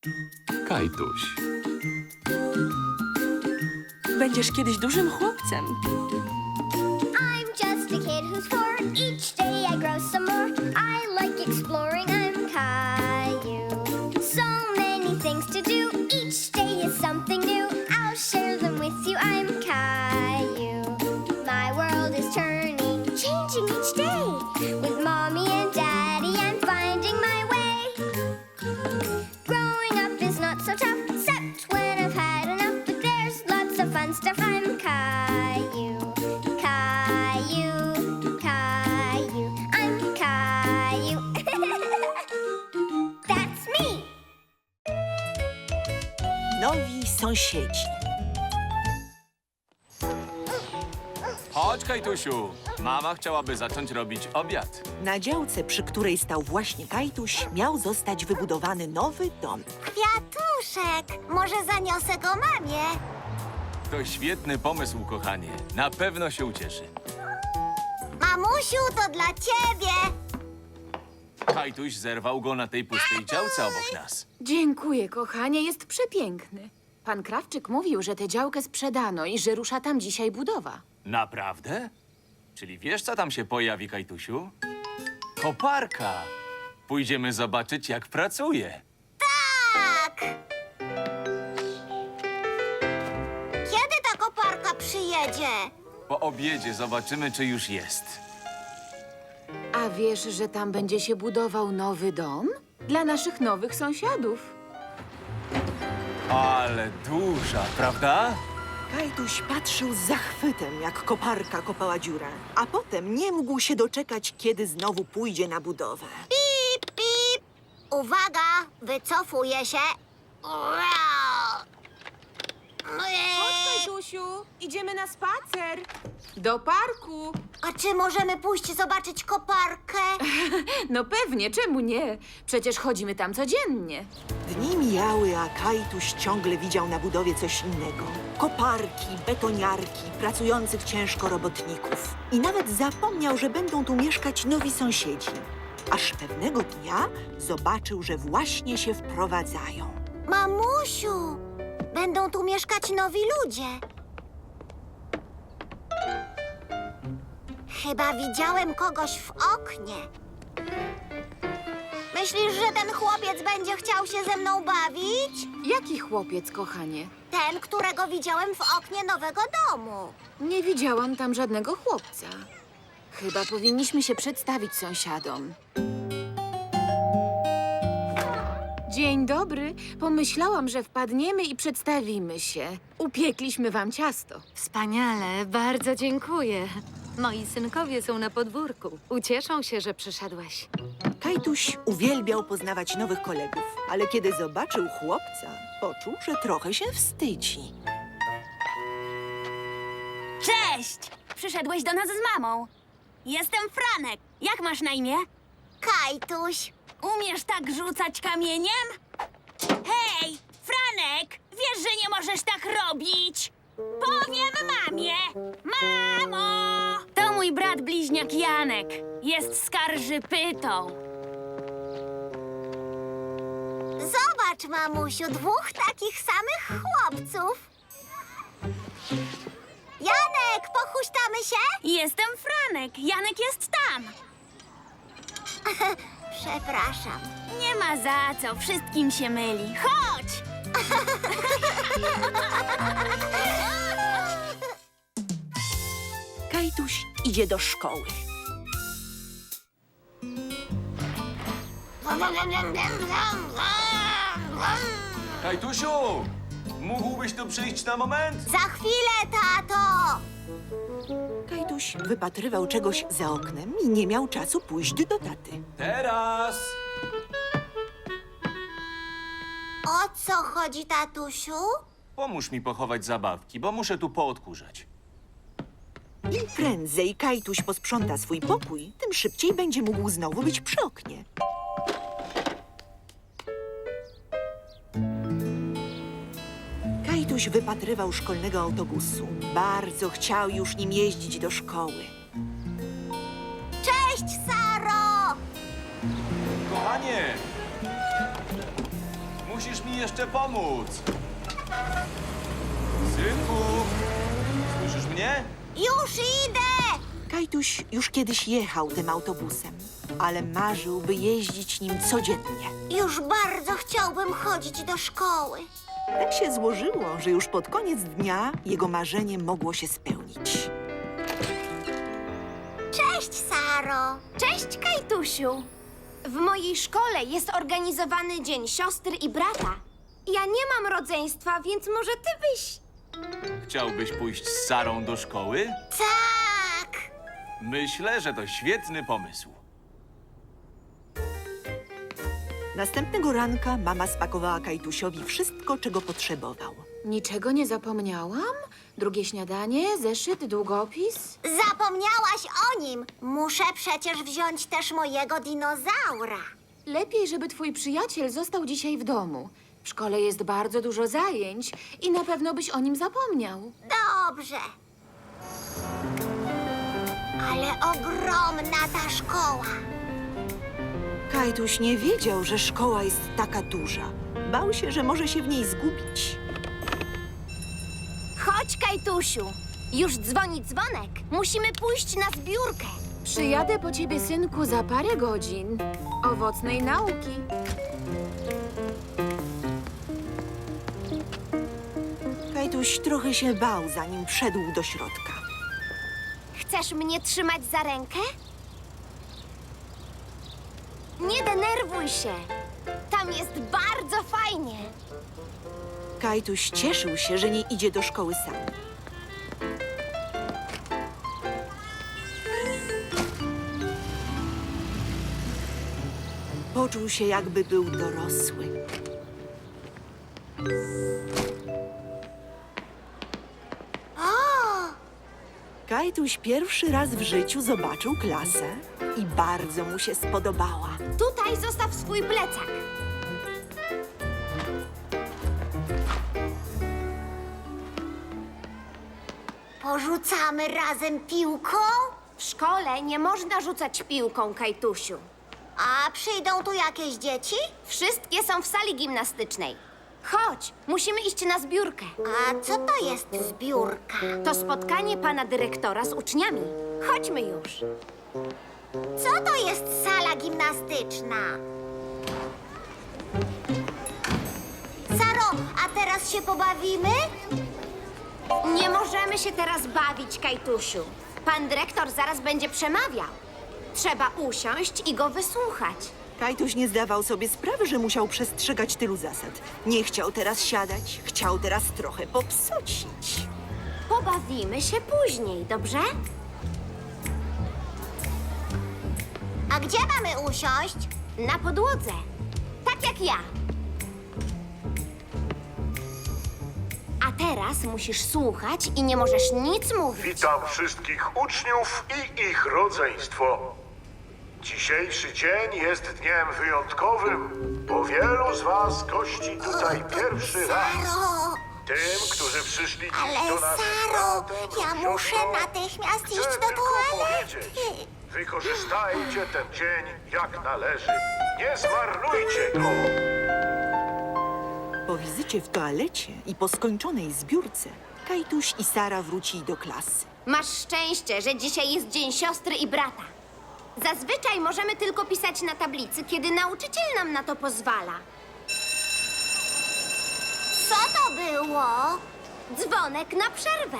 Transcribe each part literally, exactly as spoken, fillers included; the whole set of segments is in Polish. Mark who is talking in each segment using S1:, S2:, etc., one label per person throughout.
S1: Kajtuś.
S2: Będziesz kiedyś dużym chłopcem.
S3: I'm just a kid who's four. Each day I grow some more. I like exploring. I'm Caillou. So many things to do. Each day is something new. I'll share them with you. I'm Caillou. My world is turning, changing each day. With mommy and daddy, I'm finding my way. Growing up is not so tough, except when I've had enough. But there's lots of fun stuff. I'm Caillou. Caillou, Caillou, I'm Caillou. That's me.
S4: Nowi sąsiedzi.
S1: Chodź, Kajtusiu. Mama chciałaby zacząć robić obiad.
S4: Na działce, przy której stał właśnie Kajtuś, miał zostać wybudowany nowy dom.
S3: Kwiatuszek, może zaniosę go mamie?
S1: To świetny pomysł, kochanie. Na pewno się ucieszy.
S3: Mamusiu, to dla ciebie.
S1: Kajtuś zerwał go na tej pustej działce obok nas.
S2: Dziękuję, kochanie, jest przepiękny. Pan Krawczyk mówił, że tę działkę sprzedano i że rusza tam dzisiaj budowa.
S1: Naprawdę? Czyli wiesz, co tam się pojawi, Kajtusiu? Koparka. Pójdziemy zobaczyć, jak pracuje.
S3: Tak. Kiedy ta koparka przyjedzie?
S1: Po obiedzie zobaczymy, czy już jest.
S2: A wiesz, że tam będzie się budował nowy dom? Dla naszych nowych sąsiadów.
S1: Ale duża, prawda?
S4: Kajtuś patrzył z zachwytem, jak koparka kopała dziurę, a potem nie mógł się doczekać, kiedy znowu pójdzie na budowę.
S3: Pip, pip. Uwaga, wycofuję się.
S2: Chodź, Kajtusiu, idziemy na spacer. Do parku.
S3: A czy możemy pójść zobaczyć koparkę?
S2: No pewnie, czemu nie? Przecież chodzimy tam codziennie.
S4: Dni mijały, a Kajtuś ciągle widział na budowie coś innego. Koparki, betoniarki, pracujących ciężko robotników. I nawet zapomniał, że będą tu mieszkać nowi sąsiedzi. Aż pewnego dnia zobaczył, że właśnie się wprowadzają.
S3: Mamusiu, będą tu mieszkać nowi ludzie. Chyba widziałem kogoś w oknie. Myślisz, że ten chłopiec będzie chciał się ze mną bawić?
S2: Jaki chłopiec, kochanie?
S3: Ten, którego widziałem w oknie nowego domu.
S2: Nie widziałam tam żadnego chłopca. Chyba powinniśmy się przedstawić sąsiadom. Dzień dobry. Pomyślałam, że wpadniemy i przedstawimy się. Upiekliśmy wam ciasto.
S5: Wspaniale, bardzo dziękuję. Moi synkowie są na podwórku. Ucieszą się, że przyszedłeś.
S4: Kajtuś uwielbiał poznawać nowych kolegów, ale kiedy zobaczył chłopca, poczuł, że trochę się wstydzi.
S6: Cześć! Przyszedłeś do nas z mamą. Jestem Franek. Jak masz na imię?
S3: Kajtuś,
S6: Umiesz tak rzucać kamieniem? Hej, Franek! Wiesz, że nie możesz tak robić! Powiem mamie! Mamo! To mój brat bliźniak Janek. Jest skarżypytą.
S3: zobacz, mamusiu, dwóch takich samych chłopców. Janek, pochuśtamy się?
S6: Jestem Franek. Janek jest tam.
S3: Przepraszam.
S6: Nie ma za co. Wszystkim się myli. Chodź!
S4: Kajtuś idzie do szkoły.
S1: Kajtusiu! Mógłbyś tu przyjść na moment?
S3: Za chwilę, tato!
S4: Kajtuś wypatrywał czegoś za oknem i nie miał czasu pójść do taty.
S1: Teraz!
S3: O co chodzi, tatusiu?
S1: Pomóż mi pochować zabawki, bo muszę tu poodkurzać.
S4: Im prędzej Kajtuś posprząta swój pokój, tym szybciej będzie mógł znowu być przy oknie. Kajtuś wypatrywał szkolnego autobusu. Bardzo chciał już nim jeździć do szkoły.
S3: Cześć, Saro!
S1: Kochanie! musisz mi jeszcze pomóc. Synku, słyszysz mnie?
S3: Już idę!
S4: Kajtuś już kiedyś jechał tym autobusem, ale marzył, by jeździć nim codziennie.
S3: Już bardzo chciałbym chodzić do szkoły.
S4: Tak się złożyło, że już pod koniec dnia jego marzenie mogło się spełnić.
S3: Cześć, Saro!
S7: Cześć, Kajtusiu! W mojej szkole jest organizowany Dzień Siostry i Brata. Ja nie mam rodzeństwa, więc może ty byś...
S1: Chciałbyś pójść z Sarą do szkoły?
S3: Tak!
S1: Myślę, że to świetny pomysł.
S4: Następnego ranka mama spakowała Kajtusiowi wszystko, czego potrzebował.
S2: Niczego nie zapomniałam? Drugie śniadanie, zeszyt, długopis?
S3: Zapomniałaś o nim! Muszę przecież wziąć też mojego dinozaura.
S2: Lepiej, żeby twój przyjaciel został dzisiaj w domu. W szkole jest bardzo dużo zajęć i na pewno byś o nim zapomniał.
S3: Dobrze. Ale ogromna ta szkoła.
S4: Kajtuś nie wiedział, że szkoła jest taka duża. Bał się, że może się w niej zgubić.
S7: Chodź, Kajtusiu! Już dzwoni dzwonek. Musimy pójść na zbiórkę.
S2: Przyjadę po ciebie, synku, za parę godzin. Owocnej nauki.
S4: Kajtuś trochę się bał, zanim wszedł do środka.
S7: Chcesz mnie trzymać za rękę? Nie denerwuj się. Tam jest bardzo fajnie.
S4: Kajtuś cieszył się, że nie idzie do szkoły sam. Poczuł się, jakby był dorosły. Kajtuś pierwszy raz w życiu zobaczył klasę i bardzo mu się spodobała.
S7: Tutaj zostaw swój plecak.
S3: Porzucamy razem piłką?
S7: W szkole nie można rzucać piłką, Kajtusiu.
S3: A przyjdą tu jakieś dzieci?
S7: Wszystkie są w sali gimnastycznej. Chodź, musimy iść na zbiórkę.
S3: A co to jest zbiórka?
S7: To spotkanie pana dyrektora z uczniami. Chodźmy już.
S3: Co to jest sala gimnastyczna? Saro, a teraz się pobawimy?
S7: Nie możemy się teraz bawić, Kajtusiu. Pan dyrektor zaraz będzie przemawiał. Trzeba usiąść i go wysłuchać.
S4: Kajtuś nie zdawał sobie sprawy, że musiał przestrzegać tylu zasad. Nie chciał teraz siadać, chciał teraz trochę popsocić.
S7: Pobawimy się później, dobrze?
S3: A gdzie mamy usiąść?
S7: Na podłodze. Tak jak ja. A teraz musisz słuchać i nie możesz nic mówić.
S8: Witam wszystkich uczniów i ich rodzeństwo. Dzisiejszy dzień jest dniem wyjątkowym, bo wielu z was gości tutaj pierwszy raz.
S3: Saro,
S8: Tym, którzy przyszli dziś
S3: ale
S8: do nas z
S3: Saro,
S8: bratem
S3: ja
S8: lub
S3: muszę
S8: siostrą,
S3: natychmiast
S8: chcę
S3: iść do
S8: tylko
S3: toalety.
S8: powiedzieć, wykorzystajcie ten dzień jak należy. Nie zmarnujcie go.
S4: Po wizycie w toalecie i po skończonej zbiórce, Kajtuś i Sara wrócili do klasy.
S7: Masz szczęście, że dzisiaj jest Dzień Siostry i Brata. Zazwyczaj możemy tylko pisać na tablicy, kiedy nauczyciel nam na to pozwala.
S3: Co to było?
S7: Dzwonek na przerwę.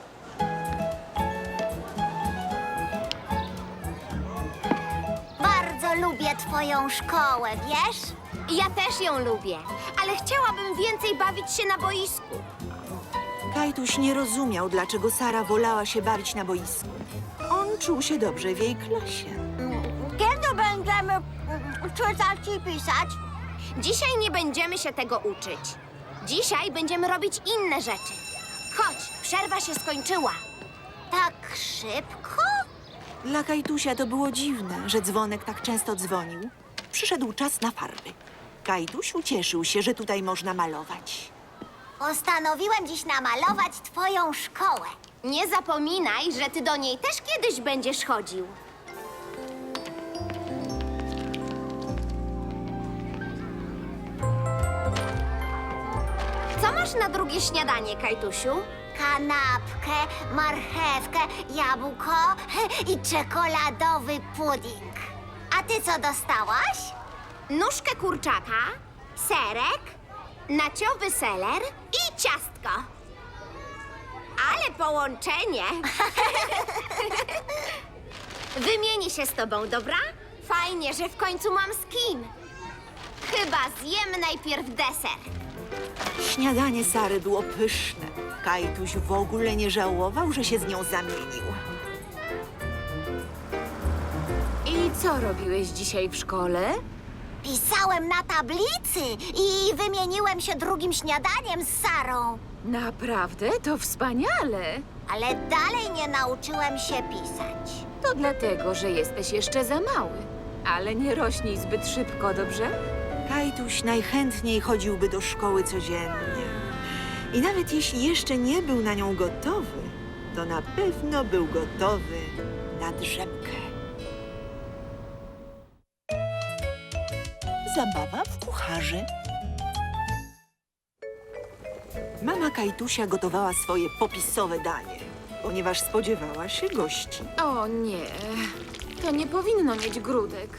S3: Bardzo lubię twoją szkołę, wiesz?
S7: Ja też ją lubię, ale chciałabym więcej bawić się na boisku.
S4: Kajtuś nie rozumiał, dlaczego Sara wolała się bawić na boisku. On czuł się dobrze w jej klasie.
S3: Kiedy będziemy czytać i pisać?
S7: Dzisiaj nie będziemy się tego uczyć. Dzisiaj będziemy robić inne rzeczy. Chodź, przerwa się skończyła.
S3: Tak szybko?
S4: Dla Kajtusia to było dziwne, że dzwonek tak często dzwonił. Przyszedł czas na farby. Kajtuś ucieszył się, że tutaj można malować.
S3: Postanowiłem dziś namalować twoją szkołę.
S7: Nie zapominaj, że ty do niej też kiedyś będziesz chodził. masz na drugie śniadanie, Kajtusiu?
S3: Kanapkę, marchewkę, jabłko i czekoladowy pudding. A ty co dostałaś?
S7: Nóżkę kurczaka, serek, naciowy seler i ciastko. Ale połączenie! Wymienię się z tobą, dobra? Fajnie, że w końcu mam z kim. Chyba zjem najpierw deser.
S4: Śniadanie Sary było pyszne. Kajtuś w ogóle nie żałował, że się z nią zamienił.
S2: I co robiłeś dzisiaj w szkole?
S3: Pisałem na tablicy i wymieniłem się drugim śniadaniem z Sarą.
S2: Naprawdę? To wspaniale!
S3: Ale dalej nie nauczyłem się pisać.
S2: To dlatego, że jesteś jeszcze za mały. Ale nie rośnij zbyt szybko, dobrze?
S4: Kajtuś najchętniej chodziłby do szkoły codziennie. I nawet jeśli jeszcze nie był na nią gotowy, to na pewno był gotowy na drzemkę. Zabawa w kucharzy. Mama Kajtusia gotowała swoje popisowe danie, ponieważ spodziewała się gości.
S2: O nie, to nie powinno mieć grudek.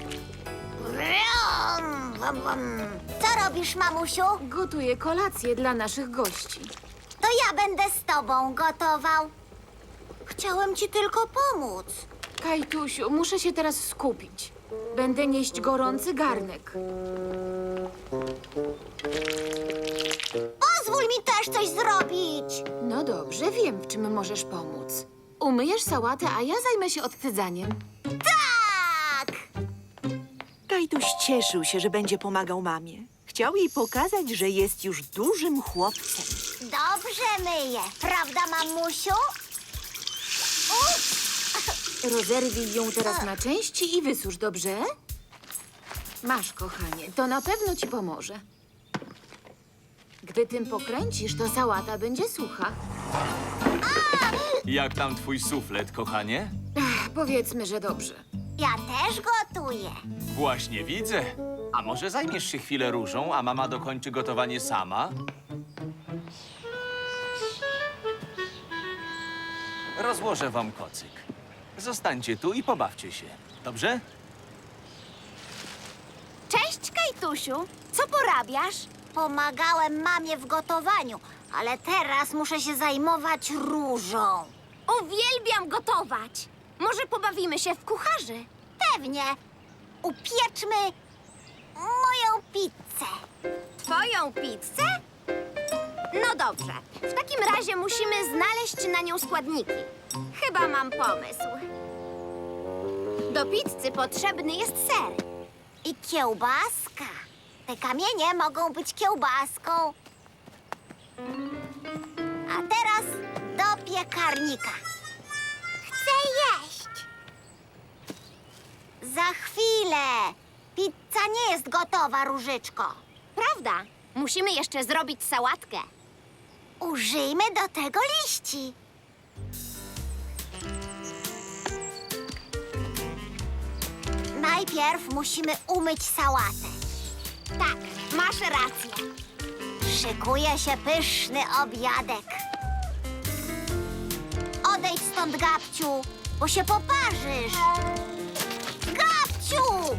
S3: Brum, brum, brum. Co robisz, mamusiu?
S2: Gotuję kolację dla naszych gości.
S3: To ja będę z tobą gotował. Chciałem ci tylko pomóc.
S2: Kajtusiu, muszę się teraz skupić. Będę nieść gorący garnek.
S3: Pozwól mi też coś zrobić.
S2: No dobrze, wiem, w czym możesz pomóc. Umyjesz sałatę, a ja zajmę się odcydzaniem.
S3: Tak!
S4: Kajtuś cieszył się, że będzie pomagał mamie. Chciał jej pokazać, że jest już dużym chłopcem.
S3: Dobrze myję. Prawda, mamusiu? Ups.
S2: Rozerwij ją teraz na części i wysusz, dobrze? Masz, kochanie, to na pewno ci pomoże. Gdy tym pokręcisz, to sałata będzie sucha.
S1: Jak tam twój suflet, kochanie?
S2: Ach, powiedzmy, że dobrze.
S3: Ja też gotuję.
S1: Właśnie widzę. A może zajmiesz się chwilę różą, a mama dokończy gotowanie sama? Rozłożę wam kocyk. Zostańcie tu i pobawcie się. Dobrze?
S7: Cześć, Kajtusiu. Co porabiasz?
S3: Pomagałem mamie w gotowaniu, ale teraz muszę się zajmować różą.
S7: Uwielbiam gotować. Może pobawimy się w kucharzy?
S3: Pewnie. Upieczmy moją pizzę.
S7: Twoją pizzę? No dobrze. W takim razie musimy znaleźć na nią składniki. Chyba mam pomysł. Do pizzy potrzebny jest ser.
S3: I kiełbaska. Te kamienie mogą być kiełbaską. A teraz do piekarnika. Chcę jeść. Za chwilę. Pizza nie jest gotowa, Różyczko.
S7: Prawda? Musimy jeszcze zrobić sałatkę.
S3: Użyjmy do tego liści. Najpierw musimy umyć sałatę.
S7: Tak, masz rację.
S3: Szykuje się pyszny obiadek. Odejdź stąd, Gabciu, bo się poparzysz. Gabciu!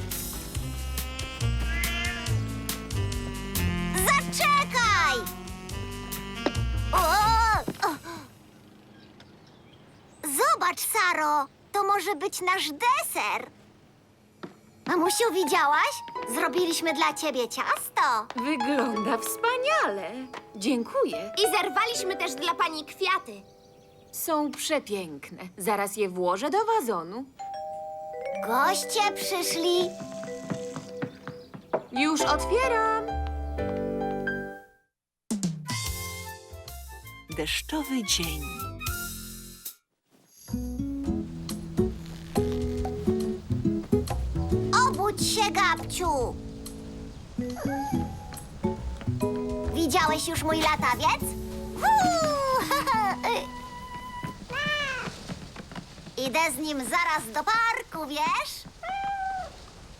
S3: Zaczekaj! O! O! Zobacz, Saro, to może być nasz deser. Mamusiu, widziałaś? Zrobiliśmy dla ciebie ciasto.
S2: Wygląda wspaniale. Dziękuję.
S7: I zerwaliśmy też dla pani kwiaty.
S2: Są przepiękne. Zaraz je włożę do wazonu.
S3: Goście przyszli.
S2: Już otwieram.
S4: Deszczowy dzień.
S3: Obudź się, Gabciu. Widziałeś już mój latawiec? Huu! Idę z nim zaraz do parku, wiesz?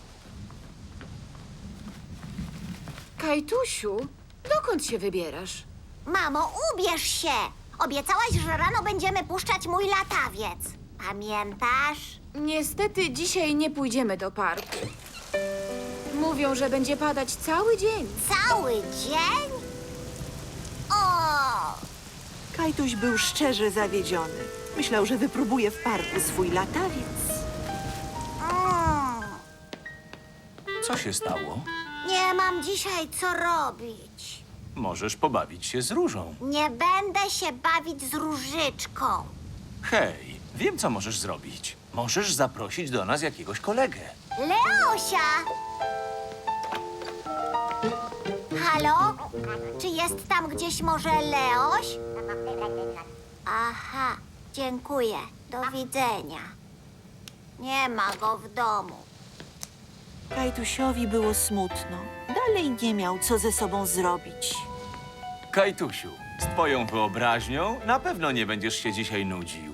S2: Kajtusiu, dokąd się wybierasz?
S7: Mamo, ubierz się! Obiecałaś, że rano będziemy puszczać mój latawiec. Pamiętasz?
S2: Niestety dzisiaj nie pójdziemy do parku. Mówią, że będzie padać cały dzień.
S7: Cały dzień? O!
S4: Kajtuś był szczerze zawiedziony. Myślał, że wypróbuje w parku swój latawiec.
S7: Mm.
S1: Co się stało?
S7: Nie mam dzisiaj co robić.
S1: Możesz pobawić się z Różą.
S7: Nie będę się bawić z Różyczką.
S1: Hej, wiem, co możesz zrobić. Możesz zaprosić do nas jakiegoś kolegę.
S7: Leosia! Halo? Czy jest tam gdzieś może Leoś? Aha, dziękuję. Do widzenia. Nie ma go w domu.
S4: Kajtusiowi było smutno. Dalej nie miał co ze sobą zrobić.
S1: Kajtusiu, z twoją wyobraźnią na pewno nie będziesz się dzisiaj nudził.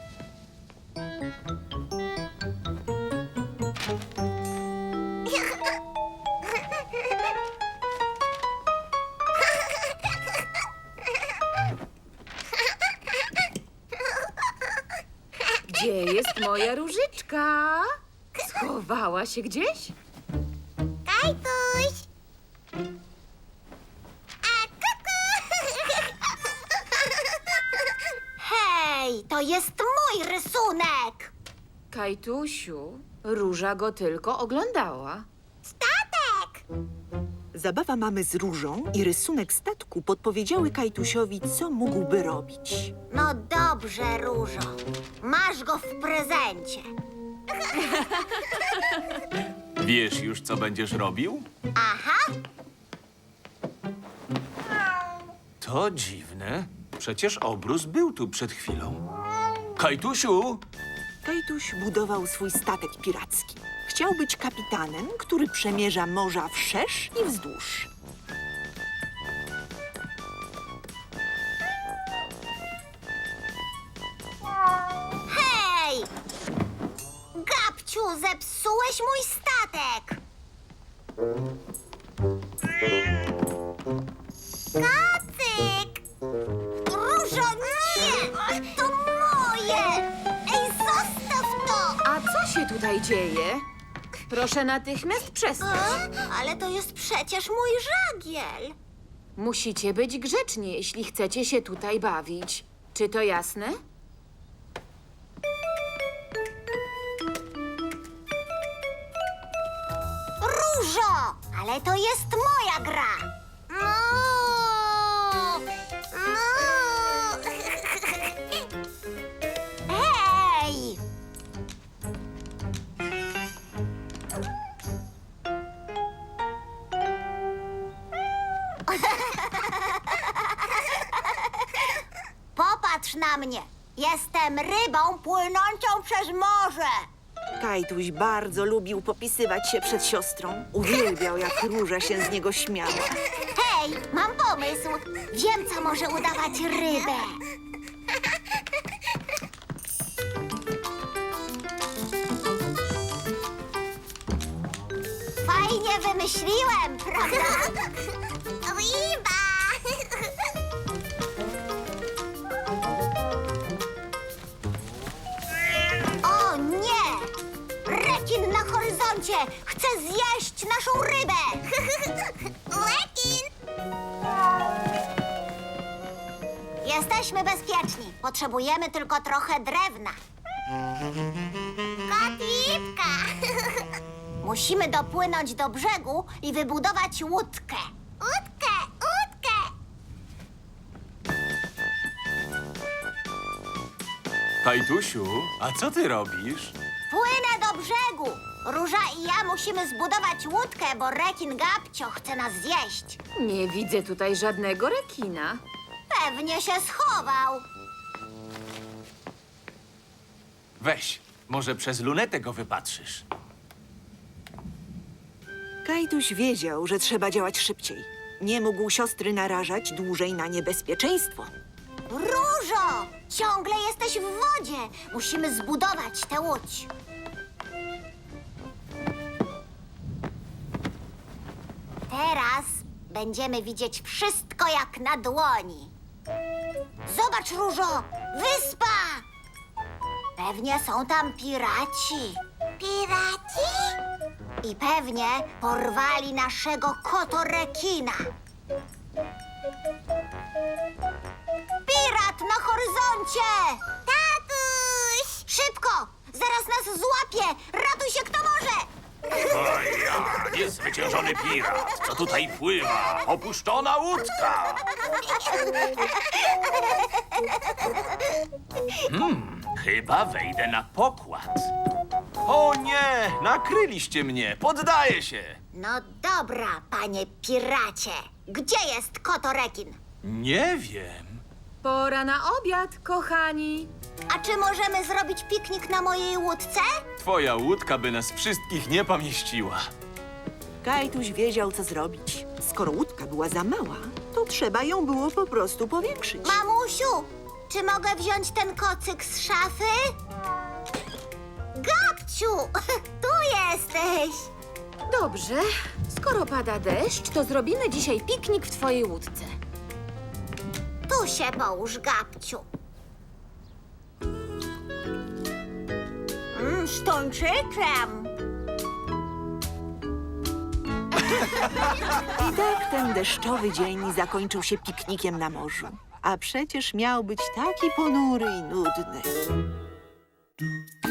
S2: Gdzie jest moja Różyczka? Schowała się gdzieś?
S7: Kajtuś! A, kuku! Hej, to jest mój rysunek!
S2: Kajtusiu, Róża go tylko oglądała.
S7: Statek!
S4: Zabawa mamy z Różą i rysunek statku podpowiedziały Kajtusiowi, co mógłby robić.
S7: No dobrze, Różo. Masz go w prezencie.
S1: Wiesz już, co będziesz robił?
S7: Aha,
S1: To dziwne. Przecież obrus był tu przed chwilą. Kajtusiu!
S4: Kajtuś budował swój statek piracki. Chciał być kapitanem, który przemierza morza wszerz i wzdłuż.
S7: hej! Gabciu, zepsułeś mój statek! Kacyk! Różo, nie! To moje! Ej, zostaw to!
S2: A co się tutaj dzieje? Proszę natychmiast przestać.
S7: A? Ale to jest przecież mój żagiel.
S2: Musicie być grzeczni, jeśli chcecie się tutaj bawić. Czy to jasne?
S7: Różo! Ale to jest moja gra! No! No! Hej! Popatrz na mnie! Jestem rybą płynącą przez morze!
S4: Kajtuś bardzo lubił popisywać się przed siostrą. Uwielbiał, jak Róża się z niego śmiała.
S7: Hej, mam pomysł. Wiem, co może udawać rybę. Fajnie wymyśliłem, prawda? Ryba! O nie! Rekin na horyzoncie! Chce zjeść naszą rybę! Rekin! Jesteśmy bezpieczni. Potrzebujemy tylko trochę drewna. Kotipka! Musimy dopłynąć do brzegu i wybudować łódkę. Łódkę! Łódkę!
S1: Kajtusiu, a co ty robisz?
S7: Płynę do brzegu. Róża i ja musimy zbudować łódkę, bo rekin Gabcio chce nas zjeść.
S2: Nie widzę tutaj żadnego rekina.
S7: Pewnie się schował.
S1: Weź, może przez lunetę go wypatrzysz.
S4: Kajtuś wiedział, że trzeba działać szybciej. Nie mógł siostry narażać dłużej na niebezpieczeństwo.
S7: Różo! Ciągle jesteś w wodzie. Musimy zbudować tę łódź. Teraz
S3: będziemy widzieć wszystko jak na dłoni. Zobacz, Różo, wyspa! Pewnie są tam piraci. Piraci? I pewnie porwali naszego kotorekina. Pirat na horyzoncie! Tatuś! Szybko! Zaraz nas złapie! Ratuj się kto może!
S1: O ja, niezwyciężony pirat, co tutaj pływa? Opuszczona łódka! Hmm, chyba wejdę na pokład. O nie, nakryliście mnie, poddaję się.
S3: No dobra, panie piracie. Gdzie jest kotorekin?
S1: Nie wiem.
S2: Pora na obiad, kochani.
S3: A czy możemy zrobić piknik na mojej łódce?
S1: Twoja łódka by nas wszystkich nie pomieściła.
S4: Kajtuś wiedział, co zrobić. Skoro łódka była za mała, to trzeba ją było po prostu powiększyć.
S3: Mamusiu, czy mogę wziąć ten kocyk z szafy? Gabciu, tu jesteś.
S2: Dobrze, skoro pada deszcz, to zrobimy dzisiaj piknik w twojej łódce.
S3: Tu się połóż, Gabciu. Mm, z tuńczykiem.
S4: I tak ten deszczowy dzień zakończył się piknikiem na morzu. A przecież miał być taki ponury i nudny.